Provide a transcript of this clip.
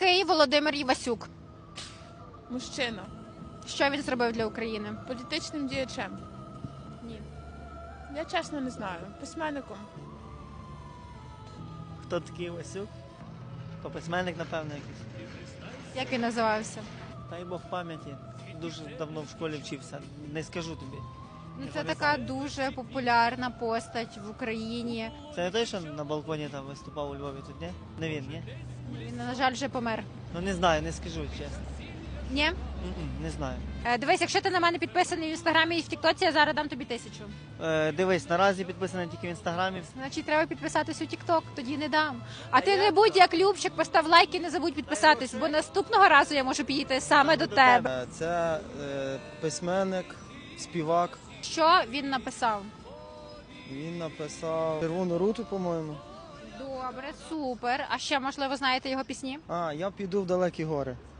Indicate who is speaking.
Speaker 1: такий Володимир Івасюк?
Speaker 2: Мужчина.
Speaker 1: Що він зробив для України?
Speaker 2: Політичним діячем.
Speaker 1: Ні.
Speaker 2: Я чесно не знаю. Письменником.
Speaker 3: Хто такий Васюк? То письменник, напевно, якийсь.
Speaker 1: Як він називався?
Speaker 3: Дай Бог пам'яті. Дуже давно в школі вчився. Не скажу тобі.
Speaker 1: Ну, це така дуже популярна постать в Україні.
Speaker 3: Це не той, що на балконі там виступав у Львові тут, ні? Не він, ні?
Speaker 1: Він, на жаль, вже помер.
Speaker 3: Ну не знаю, не скажу, чесно.
Speaker 1: Ні?
Speaker 3: Не знаю.
Speaker 1: Дивись, якщо ти на мене підписаний в інстаграмі і в Тіктоці, я зараз дам тобі 1000.
Speaker 3: Дивись, наразі підписаний тільки в інстаграмі.
Speaker 1: Значить, треба підписатись у Тікток, тоді не дам. А ти не будь як Любчик, постав лайк і не забудь підписатись, бо наступного разу я можу підійти саме до тебе.
Speaker 4: Це письменник, співак.
Speaker 1: Що він написав?
Speaker 4: Він написав «Червону руту», по-моєму.
Speaker 1: Добре, супер. А ще, можливо, знаєте його пісні?
Speaker 4: Я піду в далекі гори.